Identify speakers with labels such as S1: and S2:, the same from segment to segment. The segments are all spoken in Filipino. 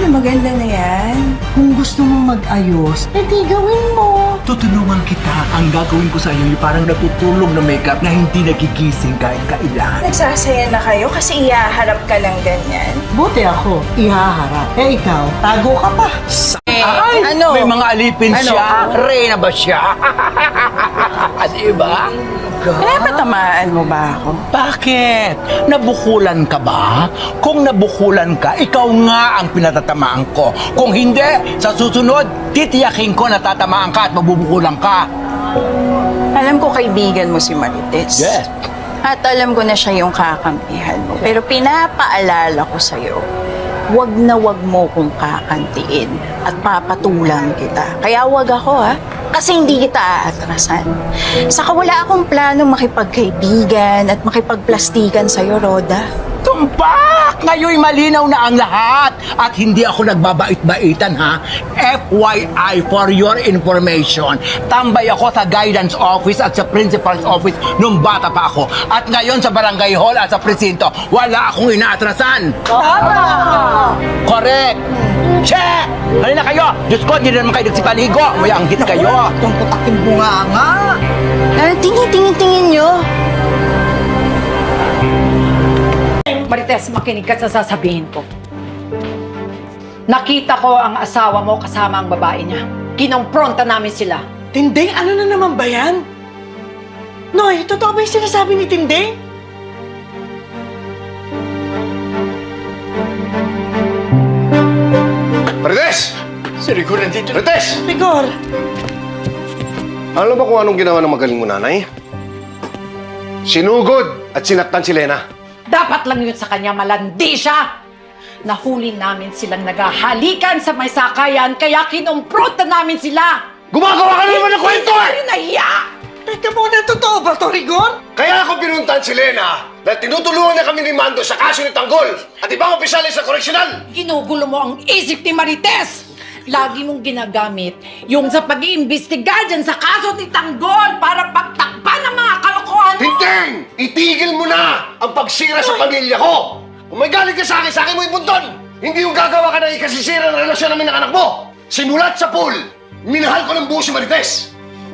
S1: maganda na yan.
S2: Kung gusto mong mag-ayos, edi gawin mo.
S3: Tutulungan kita. Ang gagawin ko sa iyo ay parang natutulong na makeup na hindi nagigising kahit kailan.
S1: Nagsasaya na kayo kasi ihaharap ka lang ganyan.
S2: Buti ako, ihaharap. Eh ikaw, tago ka pa.
S3: Ay,
S1: ano?
S3: may mga alipin
S1: Ano?
S3: siya. Reyna ba siya? Diba?
S1: Pinapatamaan mo ba ako?
S3: Bakit? Nabukulan ka ba? Kung nabukulan ka, ikaw nga ang pinatatamaan ko. Kung hindi, sa susunod, titiyakin ko na tatamaan ka at mabubukulan ka.
S1: Alam ko kaibigan mo si Marites.
S3: Yes.
S1: At alam ko na siya yung kakampihan mo. Pero pinapaalala ko sa'yo, wag na wag mo kong kakantiin at papatulang kita. Kaya wag ako kasi hindi kita aatrasan. Saka wala akong plano makipagkaibigan at makipagplastikan sa'yo, Roda.
S3: Tumpak! Ngayon'y malinaw na ang lahat. At hindi ako nagbabait-baitan, ha? FYI, for your information. Tambay ako sa guidance office at sa principal's office nung bata pa ako. At ngayon sa barangay hall at sa presinto, wala akong inaatrasan.
S2: Tama!
S3: Correct! Che! Halina kayo! Diyos ko, hindi na naman kayo nagsipaligo. May anghit kayo.
S2: Itong putaking bunganga.
S1: Tingin nyo.
S4: Marites, makinig ka sa sasabihin ko. Nakita ko ang asawa mo kasama ang babae niya. Kinompronta namin sila.
S5: Tinding, ano na naman ba yan? Noy, totoo ba yung sinasabi ni Tinding?
S6: Marites!
S3: Si Rico nandito.
S6: Marites!
S5: Rigor,
S6: Alam mo ba kung anong ginawa ng magaling mo nanay? Sinugod at sinaktan si Lena.
S4: Dapat lang yun sa kanya, malandi siya. Nahuli namin silang naghahalikan sa may sakayan, kaya kinompronta namin sila.
S6: Gumagawa ka na naman ng kwento eh!
S4: Ay, nahiya!
S5: teka muna, totoo ba to, Rigor?
S6: Kaya ako pinuntahan si Lena dahil tinutulungan niya kami ni Mando sa kaso ni Tanggol at ibang opisyalis sa koreksyonal.
S4: Ginugulo mo ang isip ni Marites. Lagi mong ginagamit yung sa pag-iimbestiga dyan sa kaso ni Tanggol para pagtakpan ng mga kalokohan mo.
S6: Tinding! Itigil mo na ang pagsira sa pamilya ko! Kung may galit ka sa akin mo ibunton! Hindi yung gagawa ka ng ikasisira ng relasyon namin ng anak mo! Simulat sa pool, minahal ko ng buo si Marites!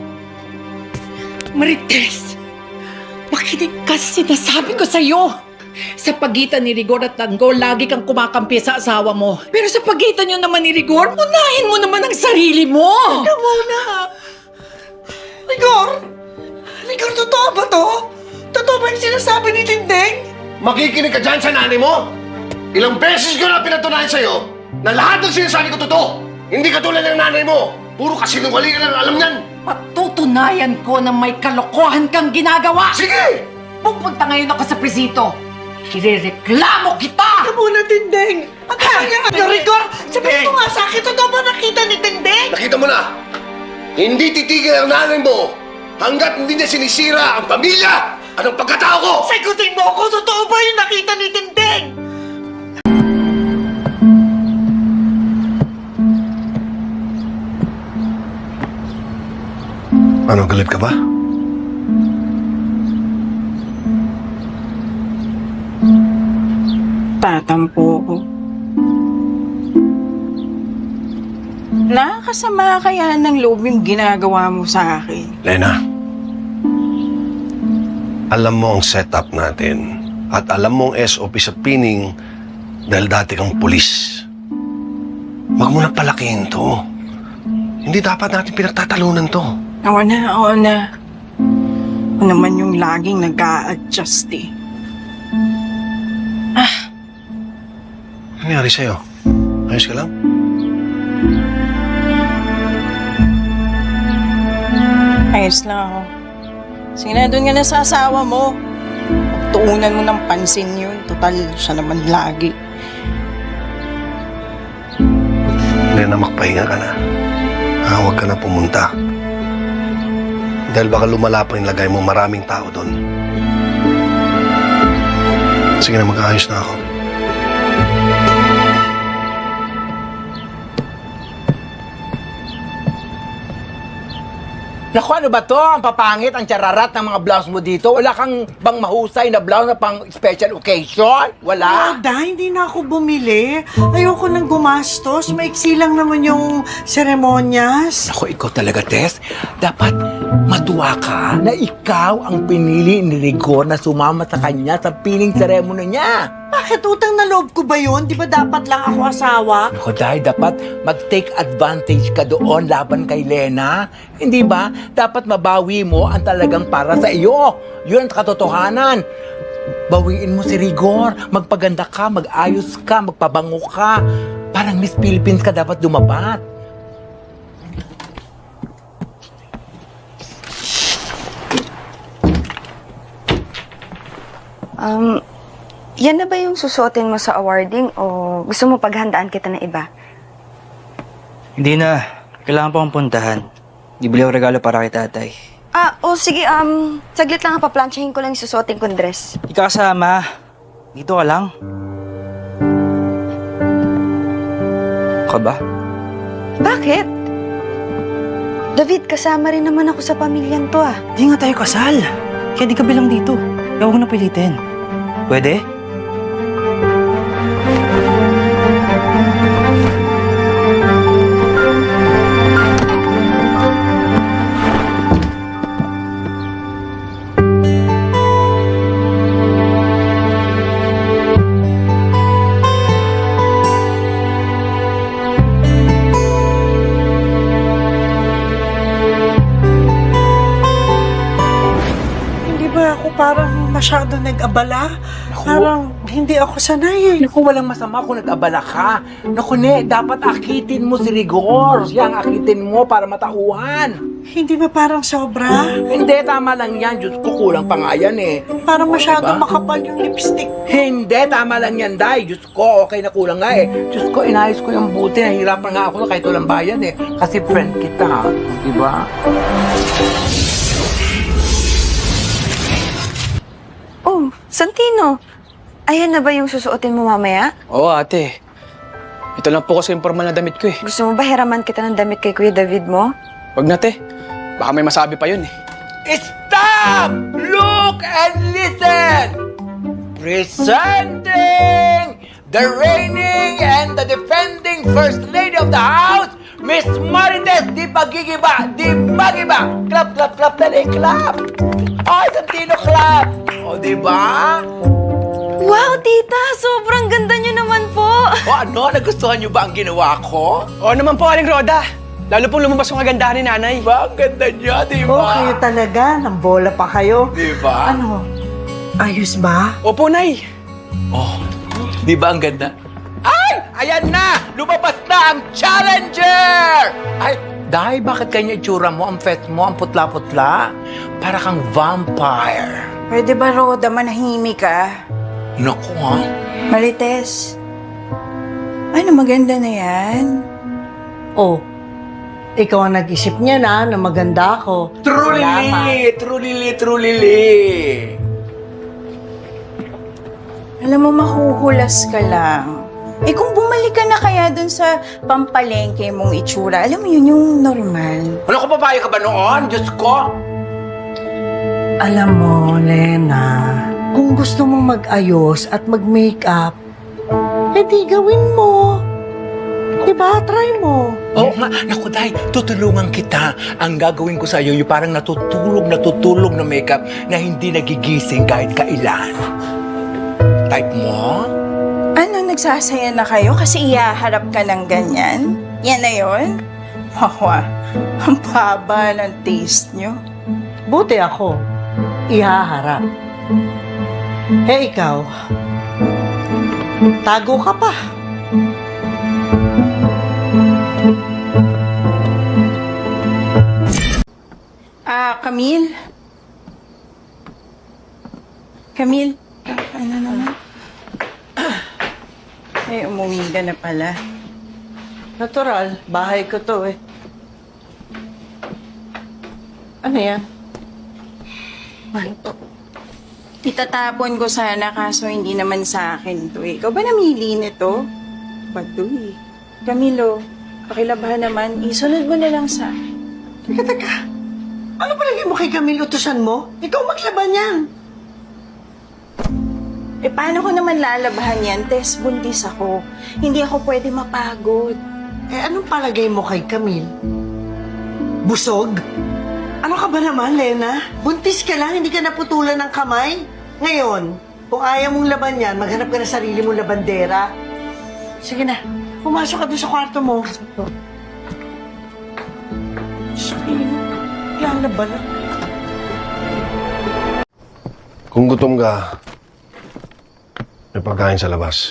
S4: Marites, makinig ka sa sinasabi ko sa'yo. Sa pagitan ni Rigor at Tanggol, lagi kang kumakampi sa asawa mo. Pero sa pagitan nyo naman ni Rigor, unahin mo naman ang sarili mo.
S5: Teka muna. Rigor? Rigor, totoo ba to? Totoo ba yung sinasabi ni Tinding?
S6: Makikinig ka dyan sa nanay mo! Ilang beses ko na pinatunayan sa'yo na lahat ng sinasabi ko totoo! Hindi katulad ng nanay mo! Puro kasinungalingan lang ang alam niyan!
S4: Patutunayan ko na may kalokohan kang ginagawa.
S6: Sige!
S4: Pupunta ngayon ako sa presinto. Irereklamo kita!
S5: Teka muna, Tinding. Ano ba yan? Ano, Rigor? Sabihin mo nga sa akin, totoo ba nakita ni Tinding?
S6: Nakita mo na! Hindi titigil ang nanay mo hanggat hindi niya sinisira ang pamilya at ang pagkatao ko!
S5: Sagutin mo ako, totoo ba yung nakita ni Tinding?
S6: Ano, galit ka ba?
S1: Tatampo ko. Nakakasama kaya ng loob yung ginagawa mo sa akin.
S6: Lena, alam mo ang setup natin at alam mo ang SOP sa pining dahil dati kang pulis. Huwag mo na palakihin to. Hindi dapat natin pinagtatalunan to.
S1: Oo na, oo na. Ako naman yung laging nag-a-adjust eh.
S6: Ano nangyari sa'yo? Ayos ka lang?
S1: Ayos lang ako. Sige na, doon ka na sa asawa mo. Pagtuunan mo ng pansin yun. Total, siya naman lagi.
S6: Lena, magpahinga ka na. Huwag ka na pumunta. Dahil baka lumala pa yung lagay mo, maraming tao doon. Sige na, mag-aayos na ako.
S3: Naku, ano ba to? Ang papangit, ang chararat ng mga blouse mo dito. Wala kang bang mahusay na blouse na pang special occasion? Wala?
S2: Roda, hindi na ako bumili. Ayoko nang gumastos. Maiksi lang naman yung seremonyas.
S3: Naku, ikaw talaga, Tess. Dapat matuwa ka na ikaw ang pinili ni Rigor na sumama sa kanya sa piling ceremony niya.
S2: Bakit utang na loob ko ba yun? Di ba dapat lang ako asawa?
S3: Naku, dahil dapat mag-take advantage ka doon laban kay Lena. Hindi ba? Dapat mabawi mo ang talagang para sa iyo. Yun ang katotohanan. Bawiin mo si Rigor. Magpaganda ka, mag-ayos ka, magpabango ka. Parang Miss Philippines ka dapat dumapat.
S7: Yan na ba yung susuotin mo sa awarding o gusto mo paghandaan kita ng iba?
S8: Hindi na. Kailangan pa akong puntahan. Bibili ako regalo para kay tatay.
S7: Sige, saglit lang paplansyahin ko lang yung susuotin kong dress.
S8: Di ka kasama. Dito ka lang. Ka ba?
S7: Bakit? David, kasama rin naman ako sa pamilyang to
S8: Di nga tayo kasal. Kaya di ka bilang dito. Kaya huwag na pilitin. Pwede?
S2: Hindi ba ako parang masyado nag-abala? Parang hindi ako sanay eh.
S3: Naku, walang masama kung nag-abala ka. Naku, ne, dapat akitin mo si Rigor. Siya ang akitin mo para matauhan.
S2: Hindi ba parang sobra?
S3: Hindi, tama lang yan. Diyos ko, kulang pa nga yan eh.
S2: Parang masyado
S3: Diba?
S2: makapal yung lipstick.
S3: Hindi, tama lang yan, Day. Diyos ko, okay na kulang nga eh. Diyos ko, inayos ko yung buti. Nahihirapan nga ako na kahit walang bayan eh. Kasi friend kita, di ba?
S7: Oh, Santino. Ayan na ba yung susuotin mo mamaya?
S8: Oo, ate. Ito lang po kasi yung formal na damit ko eh.
S7: Gusto mo ba hiraman kita ng damit kay Kuya David mo?
S8: Wag na, te. Baka may masabi pa yun eh.
S3: Stop! Look and listen! Presenting the reigning and the defending First Lady of the House, Miss Marites Di Pagigiba! Di Pagiba! Clap, clap, clap, dali, clap! Ay, Santino, clap! O, di ba?
S7: Wow, tita! Sobrang ganda niyo naman po!
S3: O ano, nagustuhan niyo ba ang ginawa ko?
S8: Oo naman po, Aling Roda. Lalo pong lumabas yung kagandahan ni nanay.
S3: Ba, ang ganda niya, di ba?
S2: Okay talaga, nang bola pa kayo.
S3: Di ba?
S2: Ano? Ayos ba?
S8: Opo, Nay.
S3: Oh, di ba ang ganda? Ay! Ayan na! Lumabas na ang challenger! Ay, Day, bakit kanya itsura mo, ang fest mo, ang putla-putla? Para kang vampire.
S1: Pwede ba, Roda, manahimik ka?
S3: Naku, ha?
S1: Marites. Ano, maganda na yan?
S2: Oh, ikaw ang nag-isip niya na maganda ako.
S3: Trulili! Trulili! Trulili!
S1: Alam mo, mahuhulas ka lang. Eh kung bumalik ka na kaya dun sa pampalengke mong itsura, alam mo yun yung normal.
S3: Ano ko, papaya ka ba noon? Diyos ko!
S2: Alam mo, Lena, kung gusto mong mag-ayos at mag-makeup, edi gawin mo. Diba? Try mo.
S3: Oo nga, naku, Day, tutulungan kita. Ang gagawin ko sa'yo, yung parang natutulog na makeup na hindi nagigising kahit kailan. Type mo?
S1: Ano, nagsasaya na kayo kasi iyaharap ka ng ganyan? Yan na yun? Wawa, ang baba ng taste nyo.
S2: Buti ako. Ihaharap. Eh, ikaw. Tago ka pa.
S1: Camille? Camille? Ano naman? Ay, umuwi ka na pala.
S2: Natural. Bahay ko to eh. Ano yan?
S1: Itatapon ko sana kaso hindi naman sa akin to eh. Ikaw ba namili nito? Bato eh. Camilo, pakilabahan naman. Isunod mo na lang sa...
S2: Teka. Ano palagay mo kay Camille utusan mo? Ikaw maglaban yan.
S1: Eh, paano ko naman lalabahan yan? Tess, buntis ako. Hindi ako pwede mapagod.
S2: Eh, anong palagay mo kay Camille? Busog? Ano ka ba naman, Lena? Buntis ka lang, hindi ka naputulan ng kamay. Ngayon, kung ayaw mong laban yan, maghanap ka na sarili mong labandera. Sige na, pumasok ka doon sa kwarto mo. Sige, lalaban na.
S6: Kung gutom ka, may pagkain sa labas.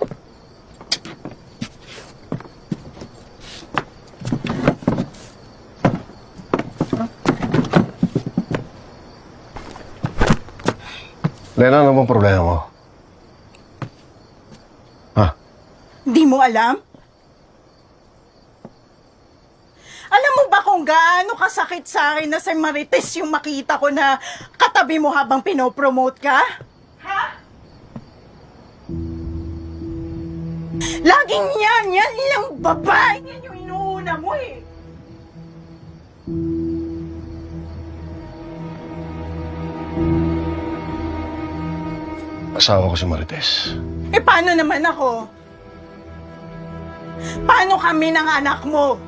S6: Lena, ano bang problema mo? Ha?
S1: Hindi mo alam? Alam mo ba kung gaano kasakit sa akin na si Marites yung makita ko na katabi mo habang pinopromote ka? Ha? Laging yan lang babae, yan yung inuuna mo eh.
S6: Asawa ko si Marites.
S1: Eh paano naman ako? Paano kami ng anak mo?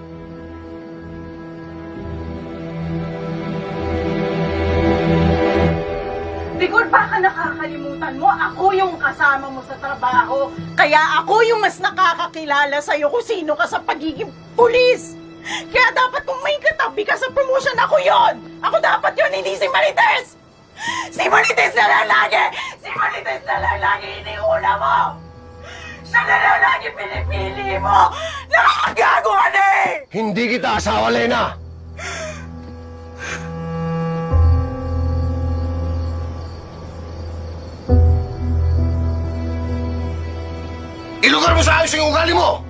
S1: Rigor, baka nakakalimutan mo, ako yung kasama mo sa trabaho. Kaya ako yung mas nakakakilala sa'yo kung sino ka sa pagiging pulis. Kaya dapat kung may katabi ka sa promotion, ako yon. Ako dapat yon, hindi si Marites. Si Marites na lang lagi! Si Marites na lang lagi iniuna mo! Siya na lang lagi pinipili mo! Nakakagago ka na eh!
S6: Hindi kita asawa, Lena! Ilugar mo sa ayos yung ugali mo!